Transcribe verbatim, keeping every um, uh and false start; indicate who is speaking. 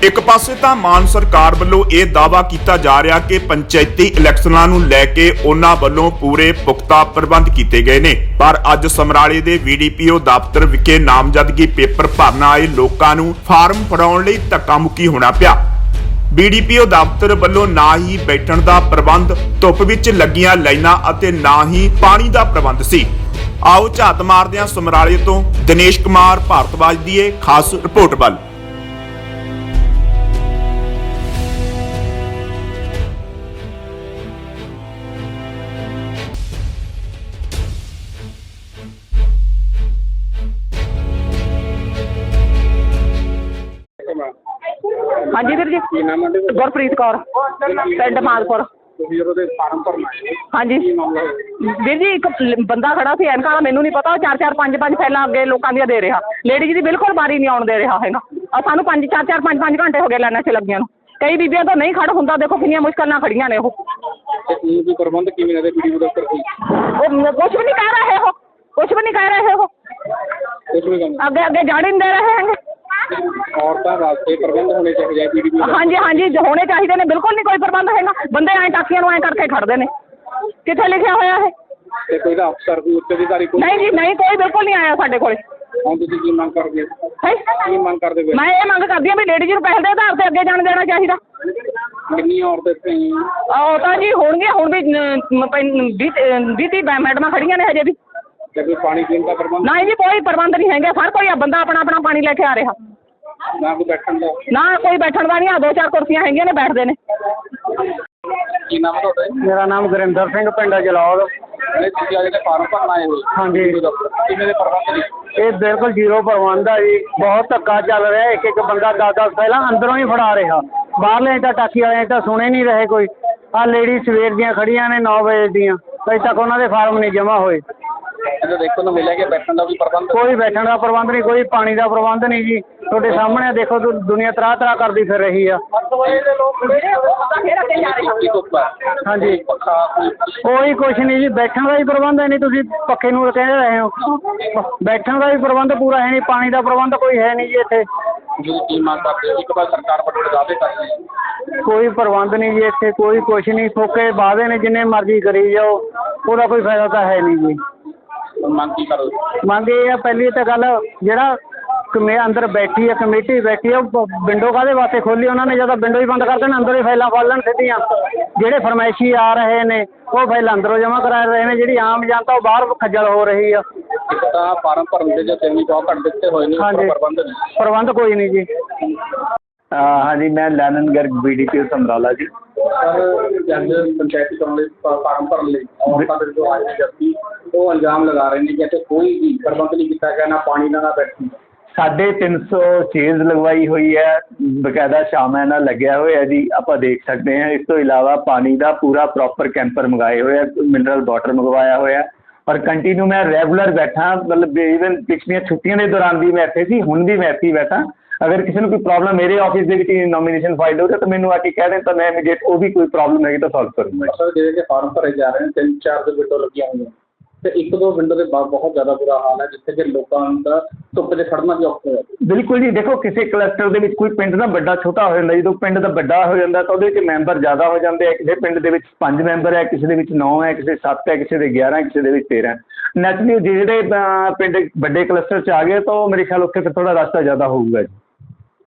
Speaker 1: ਇੱਕ ਪਾਸੇ ਤਾਂ ਮਾਨ ਸਰਕਾਰ ਵੱਲੋਂ ਇਹ ਦਾਅਵਾ ਕੀਤਾ ਜਾ ਰਿਹਾ ਕਿ ਪੰਚਾਇਤੀ ਇਲੈਕਸ਼ਨਾਂ ਨੂੰ ਲੈ ਕੇ ਉਹਨਾਂ ਵੱਲੋਂ ਪੂਰੇ ਪੁਖਤਾ ਪ੍ਰਬੰਧ ਕੀਤੇ ਗਏ ਨੇ, ਪਰ ਅੱਜ ਸਮਰਾਲੇ ਦੇ ਵੀਡੀਪੀਓ ਦਫ਼ਤਰ ਵਿਖੇ ਨਾਮਜ਼ਦਗੀ ਪੇਪਰ ਭਰਨ ਆਏ ਲੋਕਾਂ ਨੂੰ ਫਾਰਮ ਫੜਾਉਣ ਲਈ ਧੱਕਾ ਮੁੱਕੀ ਹੋਣਾ ਪਿਆ। ਬੀਡੀਪੀਓ ਦਫ਼ਤਰ ਵੱਲੋਂ ਨਾ ਹੀ ਬੈਠਣ ਦਾ ਪ੍ਰਬੰਧ, ਧੁੱਪ ਵਿੱਚ ਲੱਗੀਆਂ ਲਾਈਨਾਂ ਅਤੇ ਨਾ ਹੀ ਪਾਣੀ ਦਾ ਪ੍ਰਬੰਧ ਸੀ। ਆਓ ਝਾਤ ਮਾਰਦੇ ਹਾਂ ਸਮਰਾਲੇ ਤੋਂ ਦਿਨੇਸ਼ ਕੁਮਾਰ ਭਾਰਤਵਾਜ ਦੀ ਇਹ ਖਾਸ ਰਿਪੋਰਟ ਵੱਲ।
Speaker 2: हाँ जी वीर जी, गुरप्रीत कौर, पिंड मालपुर। हाँ जी वीर जी, एक बंदा खड़ा सी एनका, मैनू नहीं पता, चार चार पांच पांच फैला अगे लोगों दी दे रहा। लेडीज की बिल्कुल बारी नहीं आउण दे रहा है। सानू पांच चार चार पांच पांच घंटे हो गए लाइनां च लगियां। कई बीबियां तो नहीं खड़ हुंदा, देखो कितनी मुश्किल नाल खड़ियां ने।
Speaker 3: प्रबंध किवें दे वीडियो दफ्तर कोई
Speaker 2: कुछ भी नहीं कह रहे हो, कुछ भी नहीं कह रहे हो, अगे अगे जाने नहीं दे रहे हैं।
Speaker 3: औरतों वास्ते प्रबंध होने चाहिए वीडियो।
Speaker 2: हाँ जी हाँ जी, जो होने चाहिए ने, बिल्कुल नहीं कोई प्रबंध है। बंदे ऐ टाकियां नूं ऐ करके खड़दे ने, कित्थे लिखिया होया है?
Speaker 3: ते कोई दा अफसर कोई उत्ते अधिकारी कोई
Speaker 2: नहीं जी नहीं, कोई बिल्कुल नहीं आया साडे कोले।
Speaker 3: हुण तुसीं की मंग करदे हो?
Speaker 2: है
Speaker 3: की मंग करदे हो?
Speaker 2: मैं ये मंग करदी हां भी लेडीज नूं पैसे दे आधार ते अगे जाण देना चाहिए।
Speaker 3: कितनी औरतें इत्थे
Speaker 2: ਉਹ ਤਾਂ ਜੀ ਹੋਣਗੇ, ਹੁਣ ਵੀ ਵੀਹ ਤੀਹ ਮੈਡਮਾਂ ਖੜੀਆਂ ਨੇ ਹਜੇ ਵੀ।
Speaker 3: ते कोई पानी पीने का प्रबंध
Speaker 2: नहीं जी, कोई प्रबंध नहीं है। हर कोई बंदा अपना अपना पानी लेके आ रहा,
Speaker 3: ना कोई बैठन दा
Speaker 2: ना कोई बैठण दा नहीं। दो चार कुर्सियां हैगियां ने, बैठदे ने।
Speaker 3: की नाम है तुहाडा?
Speaker 4: मेरा नाम गुरिंदर सिंह, पिंड जलौर।
Speaker 3: तुसीं अजे फार्म भरन आए हो?
Speaker 4: हाँ जी।
Speaker 3: किवें दे प्रबंध ने?
Speaker 4: ये बिल्कुल जीरो प्रबंध है जी। बहुत धक्का चल रहा है। एक एक बंदा दस दस पहला अंदरों ही फड़ा रहा, बाहरले तो टाकी वाले तो सुने नहीं रहे कोई। आ लेडी सवेर दियां खड़ियां ने नौ बजे दियां, अजे तक उन्होंने फार्म नहीं जमा होए।
Speaker 3: तो देखो ना मिले कि बैठन का भी प्रबंध
Speaker 4: कोई बैठण का प्रबंध नहीं, कोई पानी का प्रबंध नहीं जी। थोड़े सामने देखो तो दुनिया तरह तरह करती फिर रही है। हाँ जी, कोई कुछ नहीं जी। बैठण का भी प्रबंध है नहीं, तुसीं पक्खे नूं कह रहे हो। बैठण का भी प्रबंध पूरा है नहीं, पानी का प्रबंध कोई है नहीं जी इत्थे।
Speaker 3: की मांग करते हो? एक बार सरकार बड़े दावे करती है,
Speaker 4: कोई प्रबंध नहीं जी इत्थे, कोई कुछ नहीं। फोके वादे ने जिन्ने मर्जी करी जाओ, ਉਹਦਾ कोई फायदा तो है नहीं जी।
Speaker 3: ਮੰਗ ਕੀ ਕਰੋ?
Speaker 4: ਮੰਗ ਇਹ ਆ, ਪਹਿਲੀ ਤਾਂ ਗੱਲ ਜਿਹੜਾ ਕਮੇ ਅੰਦਰ ਬੈਠੀ ਹੈ, ਕਮੇਟੀ ਬੈਠੀ ਹੈ, ਉਹ ਵਿੰਡੋ ਕਾਹਦੇ ਵਾਸਤੇ ਖੋਲੀ? ਉਹਨਾਂ ਨੇ ਜਦੋਂ ਵਿੰਡੋ ਹੀ ਬੰਦ ਕਰ ਦੇਣ, ਅੰਦਰ ਹੀ ਫਾਈਲਾਂ ਪਾ ਲੈਣ ਸਿੱਧੀਆਂ। ਜਿਹੜੇ ਫਰਮਾਇਸ਼ੀ ਆ ਰਹੇ ਨੇ ਉਹ ਫਾਈਲਾਂ ਅੰਦਰੋਂ ਜਮ੍ਹਾਂ ਕਰਾ ਰਹੇ ਨੇ, ਜਿਹੜੀ ਆਮ ਜਨਤਾ ਉਹ ਬਾਹਰ ਖੱਜਲ ਹੋ ਰਹੀ ਆ।
Speaker 3: ਇੱਕ ਤਾਂ ਫਾਰਮ ਭਰਨ ਦੇ ਜੋ ਤਿੰਨ ਬਹੁਤ ਘੱਟ ਦਿੱਤੇ ਹੋਏ ਨੇ,
Speaker 4: ਹਾਂਜੀ,
Speaker 3: ਪ੍ਰਬੰਧ ਨਹੀਂ।
Speaker 4: ਪ੍ਰਬੰਧ ਕੋਈ ਨਹੀਂ ਜੀ।
Speaker 5: हाँ जी, मैं लैनन गर्ग बीडीपीओ समराला जी।
Speaker 3: सर जब पंचायती चुनाव ਲਈ ਫਾਰਮ ਭਰਨ ਲਈ ਔਰਤਾਂ ਦੇ ਜੋ ਆਏ ਨੇ ਜੱਤੀ, ਉਹ ਇਲਜ਼ਾਮ ਲਗਾ ਰਹੇ ਨੇ ਕਿ ਇੱਥੇ ਕੋਈ ਵੀ ਪ੍ਰਬੰਧ ਨਹੀਂ ਕੀਤਾ ਗਿਆ, ਨਾ ਪਾਣੀ ਨਾ ਬੈਠੀ।
Speaker 5: साढ़े तीन सौ चेज लगवाई हुई है, बकायदा शामा ਨਾਲ ਲੱਗਿਆ ਹੋਇਆ जी, ਆਪਾਂ ਦੇਖ ਸਕਦੇ हैं। इस तो इलावा पानी का पूरा प्रॉपर कैंपर मंगाए हुए, मिनरल वाटर मंगवाया हुआ और कंटिन्यू मैं रेगुलर बैठा। मतलब ईवन पिछलियां छुट्टियां के दौरान भी मैं इत्थे सी, हुण भी मैं इत्थे ही बैठा। अगर किसी को कोई प्रॉब्लम मेरे ऑफिस के विच नॉमिनेशन फाइल हो रहा तो मैंने आके कह दें, तो मैं इमीडिएट वो भी कोई प्रॉब्लम है तो सॉल्व करूँगा।
Speaker 3: सर जिहड़े कि फार्म भरे जा रहे हैं, तीन चार दो विंडो लगियां हुई तो एक दो विंडो के बहुत ज़्यादा बुरा हाल है, जिससे कि लोगों का धुप्प से खड़ना भी औखा है।
Speaker 5: बिल्कुल जी, देखो किसी क्लस्टर के कोई पिंड ना बड़ा छोटा हो जाता, जो पिंड का बड़ा हो जाता तो वो मैंबर ज़्यादा हो जाते हैं। किसी पिंड के पाँच मैंबर है, किसी के नौ है, किसी सत्त है, किसी के ग्यारह है, किसी के तेरह। नैचुरली जिहड़े पिंड बड़े क्लस्टर च आ गए तो मेरे ख्याल उत्थे फिर थोड़ा रास्ता ज़्यादा होगा जी।